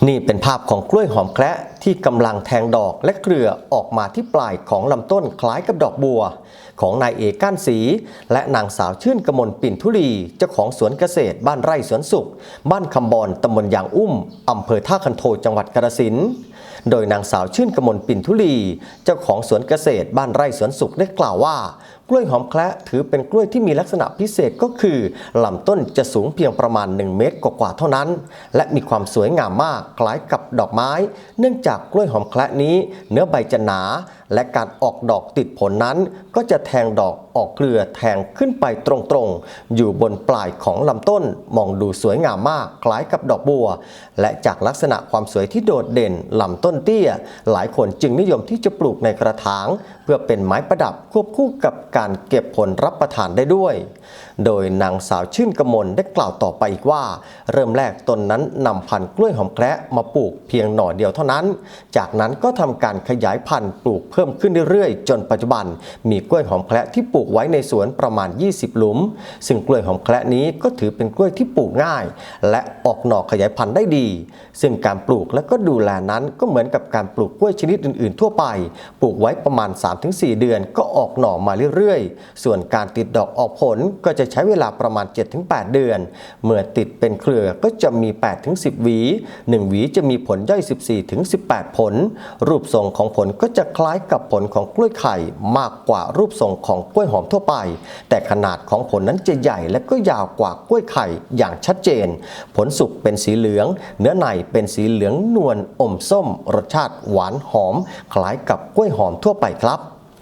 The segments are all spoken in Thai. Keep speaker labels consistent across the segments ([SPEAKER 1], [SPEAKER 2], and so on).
[SPEAKER 1] นี่เป็นภาพของกล้วยหอมแคระที่กำลังแทงดอกและเครือออกมาที่ปลายของลำต้นคล้ายกับดอกบัวของนายเอกก้านศรีและนางสาวชื่นกมลปิ่นทุลีเจ้าของสวนเกษตรบ้านไร่สวนสุขบ้านคำบอนตำบลยางอุ้มอำเภอท่าคันโทจังหวัดกาฬสินธุ์โดยนางสาวชื่นกมลปิ่นทุลีเจ้าของสวนเกษตรบ้านไร่สวนสุขได้กล่าวว่ากล้วยหอมแคระถือเป็นกล้วยที่มีลักษณะพิเศษก็คือลำต้นจะสูงเพียงประมาณ1 เมตรกว่าเท่านั้นและมีความสวยงามมากคล้ายกับดอกไม้เนื่องจากกล้วยหอมแคระนี้เนื้อใบจะหนาและการออกดอกติดผลนั้นก็จะแทงดอกออกเครือแทงขึ้นไปตรงๆอยู่บนปลายของลำต้นมองดูสวยงามมากคล้ายกับดอกบัวและจากลักษณะความสวยที่โดดเด่นลำต้นเตี้ยหลายคนจึงนิยมที่จะปลูกในกระถางเพื่อเป็นไม้ประดับควบคู่กับการเก็บผลรับประทานได้ด้วยโดยนางสาวชื่นกมลได้กล่าวต่อไปอีกว่าเริ่มแรกตนนั้นนำพันธุ์กล้วยหอมแคระมาปลูกเพียงหน่อเดียวเท่านั้นจากนั้นก็ทำการขยายพันธุ์ปลูกเพิ่มขึ้นเรื่อยๆจนปัจจุบันมีกล้วยหอมแคระที่ปลูกไว้ในสวนประมาณ20 หลุมซึ่งกล้วยหอมแคระนี้ก็ถือเป็นกล้วยที่ปลูกง่ายและออกหน่อขยายพันธุ์ได้ดีซึ่งการปลูกและก็ดูแลนั้นก็เหมือนกับการปลูกกล้วยชนิดอื่นๆทั่วไปปลูกไว้ประมาณ 3-4 เดือนก็ออกหน่อมาเรื่อยๆส่วนการติดดอกออกผลก็จะใช้เวลาประมาณ 7-8 เดือนเมื่อติดเป็นเครือก็จะมี 8-10 หวี1หวีจะมีผลย่อย 14-18 ผลรูปทรงของผลก็จะคล้ายกับผลของกล้วยไข่มากกว่ารูปทรงของกล้วยหอมทั่วไปแต่ขนาดของผลนั้นจะใหญ่และก็ยาวกว่ากล้วยไข่อย่างชัดเจนผลสุกเป็นสีเหลืองเนื้อในเป็นสีเหลืองนวลอมส้มรสชาติหวานหอมคล้ายกับกล้วยหอมทั่วไปครับ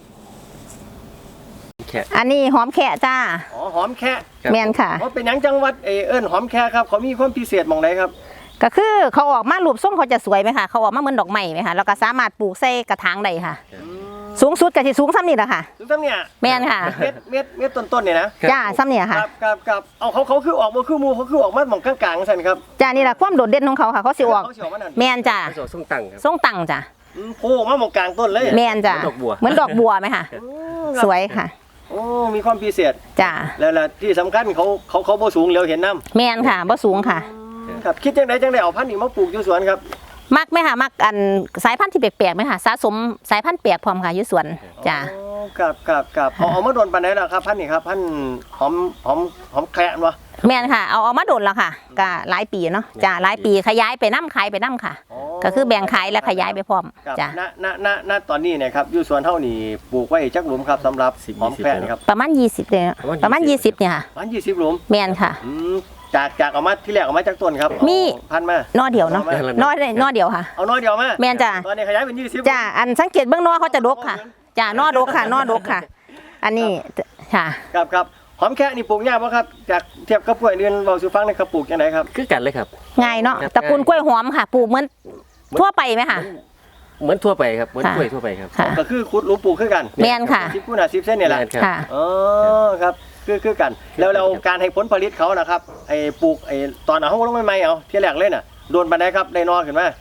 [SPEAKER 2] อันนี้หอมแค่จ้า
[SPEAKER 3] อ๋อหอมแค่
[SPEAKER 2] แม่นค่ะ
[SPEAKER 3] เพราะเป็นหยังจังหวัดเอิ้นหอมแค่ครับเขามีความพิเศษมองไหนครับ
[SPEAKER 2] ก็คือเขาออกมารูปทรงเขาจะสวยไหมคะเขาออกมาเหมือนดอกไม้ไหมคะแล้วก็สามารถปลูกใส่กระถางได้ค่ะสูงสุดก็จะสูงซ้ำนี่แหละค่ะ
[SPEAKER 3] สูงซ้ำเนี่ย
[SPEAKER 2] แม่นค่ะ
[SPEAKER 3] เม็ดต้นๆเนี่ยนะ
[SPEAKER 2] จ้าซ้ำเนี่ยค่ะ
[SPEAKER 3] กับเอาเขาคือออกมาคือมูเขาคือออกมาหม่องกลางๆสั่นครับ
[SPEAKER 2] จ้านี่แหละความโดดเด่นของเขาค่ะเขาสิออกแม่นจ้า
[SPEAKER 4] ทรงตั้งครับ
[SPEAKER 2] ทรงตั้งจ้า
[SPEAKER 3] โผล่มาหม่องกลางต้นเลย
[SPEAKER 2] แม่นจ้าเหมือนดอกบัวไหมคะสวยค่ะ
[SPEAKER 3] โอ้มีความพิเศษ
[SPEAKER 2] จ้า
[SPEAKER 3] แล้วที่สำคัญเขาบ่สูงเร็วเห็นน้
[SPEAKER 2] ำแม่นค่ะบ่สูงค่ะ
[SPEAKER 3] ครับคิดจังไดเอาพันธุ์นี้มาปลูกอยู่สวนครับ
[SPEAKER 2] มักไหมค่ะมักอันสายพันธุ์ที่แปลกๆไหมค่ะสะสมสายพันธุ์แปลกพร้อมค่ะอยู่สวนจ้า
[SPEAKER 3] กับเอามาโดนปานไหนล่ะครับพันธุ์นี้ครับพันธุ์หอมแคระวะ
[SPEAKER 2] แม่นค่ะเอามาโดนแล้วค่ะก็หลายปีเนาะจ้าหลายปีขยายไปน้ำขายไปน้ำค่ะก็คือแบ่งขายและขยายไปพร้อมจ้า
[SPEAKER 3] ณตอนนี้เนี่ยครับอยู่สวนเท่านี้ปลูกไว้จักหลุมครับสำหรับหอมแคระครับ
[SPEAKER 2] ประมาณ20เลยประมาณ20เนี่ยค่ะ
[SPEAKER 3] ประมาณ20 หลุม
[SPEAKER 2] แม่นค่ะ
[SPEAKER 3] จากเอามาที่แรกเอามาจากต้นครับ
[SPEAKER 2] มี
[SPEAKER 3] พันมาน
[SPEAKER 2] อเดียวเนาะนอเดียวค่ะ
[SPEAKER 3] เอานอเดียวมา
[SPEAKER 2] แม่นจ้า
[SPEAKER 3] ตอนนี้ขยายเป็น20
[SPEAKER 2] จ้าอันสังเกตเบื้องนอเขาจะดกค่ะจ้านอดกค่ะนอดกค่ะอันนี้ค่ะ
[SPEAKER 3] ครับหอมแค่นี่ปลูกยากป่ะครับจากเทียบกับกล้วยเดือนเราซื้อฟังในกระปลูกยังไงครับ
[SPEAKER 4] คือกันเลยครับ
[SPEAKER 2] ง่ายเนาะตระกูลกล้วยหอมค่ะปลูกเหมือนทั่วไปไหมคะ
[SPEAKER 4] เหมือนทั่วไปครับเหมือนกล้วยทั่วไปครับ
[SPEAKER 3] ก็คือขุดหลุมปลูกคือกัน
[SPEAKER 2] แม่นค่ะ
[SPEAKER 3] 10 คูณ 10 เส้นเนี่ยแหละ
[SPEAKER 2] ค่ะ
[SPEAKER 3] ครับคือกันแล้วการให้ผลผลิตเขานะครับปลูกตอนเขาลงใหม่เอาที่แรกเลยน่ะโดนปานใดครับได้นอขึ้นมา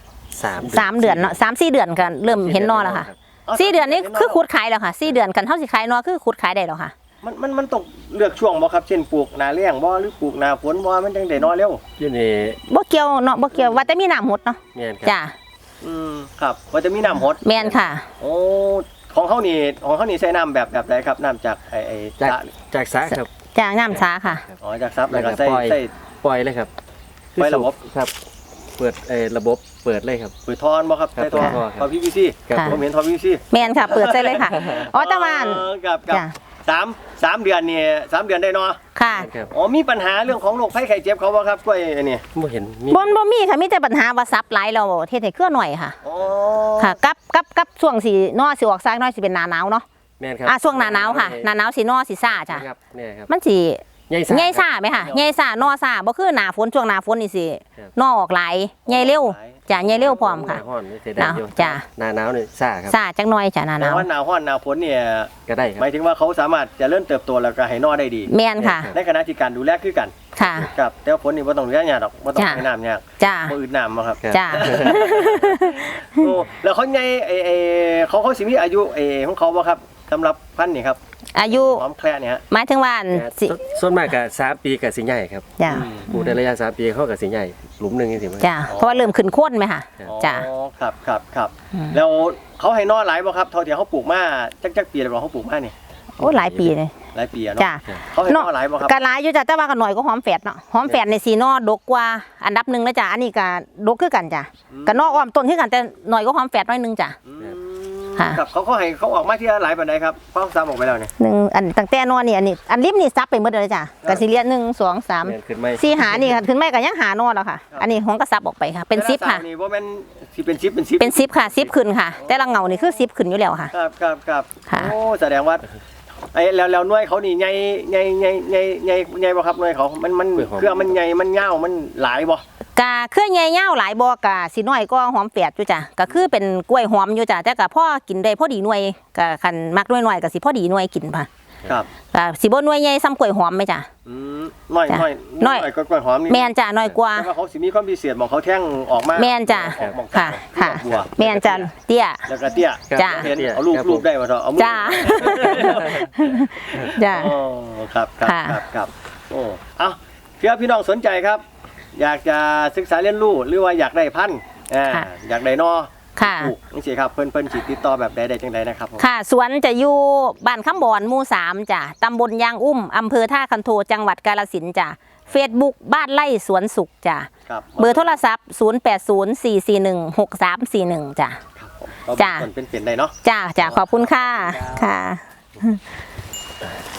[SPEAKER 2] 3 เดือนเนาะ3-4 เดือนกันเริ่มเห็นนอแล้วค่ะ4 เดือนนี้คือขุดขายแล้วค่ะ4 เดือนกันเท่าสิขายนอคือขุดขายได้แล้วค่ะ
[SPEAKER 3] มันต้องเลือกช่วงบ่ครับเช่นปลูกหน้าแล้งบ่หรือปลูกหน้าฝนบ่มันจังได้นอเร็ว
[SPEAKER 4] อยู่นี่
[SPEAKER 2] บ่เกี่ยวเนาะบ่เกี่ยวว่าแต่มีน้ำหดเนาะจ้า
[SPEAKER 3] ครับว่าจะมีน้ำหด
[SPEAKER 2] แม่นค่ะ
[SPEAKER 3] โอ้ของเขานี่ใช้น้ำแบบไหนครับน้ำจาก
[SPEAKER 4] จากสระครับ
[SPEAKER 2] จากน้ำสาค่ะ
[SPEAKER 3] อ๋อจากซับแล้วก็ใส่
[SPEAKER 4] ปล่อยเลยครับ
[SPEAKER 3] ปล่อยระบบ
[SPEAKER 4] ครับเปิดระบบเปิดเลยครับ
[SPEAKER 3] เปิดทอนบ่ครับใส่ทอนPVC ผมเห็นทอน PVC
[SPEAKER 2] แม่นค่ะเปิดใส่เลยค่ะอ๋อตะวัน
[SPEAKER 3] กับ3 เดือนนี่3 เดือนได้เนาะ
[SPEAKER 2] ค่ะ
[SPEAKER 3] อ๋อมีปัญหาเรื่องของโรคไข้ไข้เจ็บเขาบ่ครับกล้วยอันนี้
[SPEAKER 4] บ่เห็น
[SPEAKER 2] บ่มีค่ะมีแต่ปัญหาว่าซับหลายเราเทศให้เครือหน่อยค่ะ
[SPEAKER 3] อ๋อ
[SPEAKER 2] ค่ะกับช่วงสินอสิออกซากน้อยสิเป็นหน้าหนาวเนาะ
[SPEAKER 4] แม่นครับ
[SPEAKER 2] ช่วงหน้าหนาวค่ะหน้าหนาวสินอสิซ่าจ้ะ
[SPEAKER 4] ครับนี่ครับ
[SPEAKER 2] มันสิใหญ่ซ่าไหมค่ะใหญ่ซ่านอซ่าบ่คือหน้าฝนช่วงหน้าฝนนี่สินอออกหลายใหญ่เร็วจ้ะใหญ่เร็วพร้อมค่ะ
[SPEAKER 4] จ้ะหน้าหนาวนี่ซ่าครับ
[SPEAKER 2] ซ่าจังน้อยจ้ะหน้าหนาว
[SPEAKER 3] ว่าหน้าร้อนหน้าฝนเนี่ย
[SPEAKER 4] ก็ได้ครับ
[SPEAKER 3] หมายถึงว่าเขาสามารถจะเริ่มเติบโตแล้วก็ให้นอได้ดี
[SPEAKER 2] แม่นค่ะ
[SPEAKER 3] ในขณะที่การดูแลคือกัน
[SPEAKER 2] ค่ะ
[SPEAKER 3] กับแต่ฝนนี่บ่ต้องดูแลยากดอกบ่ต้องให้น้ำยาก
[SPEAKER 2] จ้ะ
[SPEAKER 3] บ่อึดน้ำบ่ครับ
[SPEAKER 2] จ้ะ
[SPEAKER 3] โอ้แล้วเขาใหญ่เขาสิมีอายุของเขาบ่ครับสำหรับพันธุ์นี่ครับ
[SPEAKER 2] อายุ
[SPEAKER 3] หอมแคระเนี่ยฮะ
[SPEAKER 2] หมายถึงว่าอันสิ
[SPEAKER 4] ส่วนมากก็3 ปีกับสิใหญ่ครับ
[SPEAKER 2] จ้า
[SPEAKER 4] ปลูกในระยะ3 ปีเขากับสิใหญ่หลุมหนึงนี่สิมั้ย
[SPEAKER 2] จ้าเพราะว่าเริ่มขึ้นโค้นไหมค่ะจ้า
[SPEAKER 3] อ๋อครับแล้วเขาให้นอหลายบ่ครับเท่าที่เขาปลูกมาจักปีแล้วบ่เขาปลูกมานี่
[SPEAKER 2] โอ้หลายปีเลย
[SPEAKER 3] หลายปีอะเนาะ
[SPEAKER 2] จ้า
[SPEAKER 3] เขาให้นอหลายบ่ครับ
[SPEAKER 2] กะหลายอยู่จ้ะแต่ว่าก็หน่อยก็หอมแฝดเนาะหอมแฝดในสีนอดกกว่าอันดับหนึ่งนะจ้ะอันนี้ก็ดกคือกันจ้ะกะนออ้อมต้นคือกันแต่หน่อยก็หอมแฝดน้อยหนึงจ้ะ ค่ะ
[SPEAKER 3] ครับเขาให้เขาออกมาที่หลายปานใดครับเขาซ้ำออกไปแล้วเนี่ย
[SPEAKER 2] หนึ่งอันตั้งแต่นอนี่อันริมนี่ซับไปหมดเลยจ้ะกะสิเลีย1 2 3
[SPEAKER 4] แม่นขึ้นไหม
[SPEAKER 2] 4หานี่ค่ะถึงแม่ก็ยังหานอแล้วค่ะ อันนี้ของก็ซับออกไปค่ะเป็น10ค่ะ
[SPEAKER 3] นี่บ่แม่นสิเป็น10เป็น10
[SPEAKER 2] เป็น10ค่ะ10ขึ้นค่ะ แต่ละเงานี่คือ10ขึ้นอยู่แล้วค่ะ
[SPEAKER 3] ครับ
[SPEAKER 2] ค่ะ
[SPEAKER 3] โอ้แสดงว่าไอ้แล้วหน่วยเขานี่ใหญ่บ่ครับหน่วยเขามันเครื่องมันใหญ่มันยาวมันหลายบ่
[SPEAKER 2] กะเครือใหญ่ยาวหลายบ่กะสิน้อยก็หอมแฝดอยู่จ้ะก็คือเป็นกล้วยหอมอยู่จ้ะแต่ก็พอกินได้พอดีหน่วยก็คันมักหน่อยๆก็สิพอดีหน่วยกินค่ะ
[SPEAKER 3] ครับ
[SPEAKER 2] ก็สิบ่หน่วยใหญ่ซ้ำกล้วยหอมไหมจ้ะ
[SPEAKER 3] น้อย
[SPEAKER 2] จ้ะ
[SPEAKER 3] น้อยก็กล้วยหอมนี่
[SPEAKER 2] แม่นจ้ะน้อยกว่า
[SPEAKER 3] แต่ว่าเขาสิมีความพิเศษหมองเขาแท่งออกมา
[SPEAKER 2] แม่นจ้ะ
[SPEAKER 3] ออกหม่อง
[SPEAKER 2] ค่ะค่ะ
[SPEAKER 3] บัว
[SPEAKER 2] แม่นจ้ะเตี้ย
[SPEAKER 3] แล้วก็เตี้ย
[SPEAKER 2] จ้ะ
[SPEAKER 3] เห็นเอาลูกได้บ่เถอะเอามือ
[SPEAKER 2] จ้า จ้า
[SPEAKER 3] อ๋อครับ
[SPEAKER 2] ค่ะ
[SPEAKER 3] โอ้เอาเพื่อพี่น้องสนใจครับ อยากจะศึกษาเรียนรู้หรือว่าอยากได้พันธุ์อยากได้นอ
[SPEAKER 2] ค่ะ
[SPEAKER 3] ปลูกนี่สิครับเพิ่นสิติดต่อแบบใดจังไดนะครับผม
[SPEAKER 2] ค่ะสวนจะอยู่บ้านคำบอนหมู่3จ้ะตำบลยางอุ้มอำเภอท่าคันโทจังหวัดกาฬสินธุ์จ้ะ Facebook บ้านไร่สวนสุขจ้ะ
[SPEAKER 3] ครับ
[SPEAKER 2] เบอร์โทรศัพท์ 0804416341 จ้ะ
[SPEAKER 3] ครับผม
[SPEAKER 2] จ้ะ
[SPEAKER 3] ต้นเป็นได้เนาะ
[SPEAKER 2] จ้าขอบคุณค่ะ ค่ะ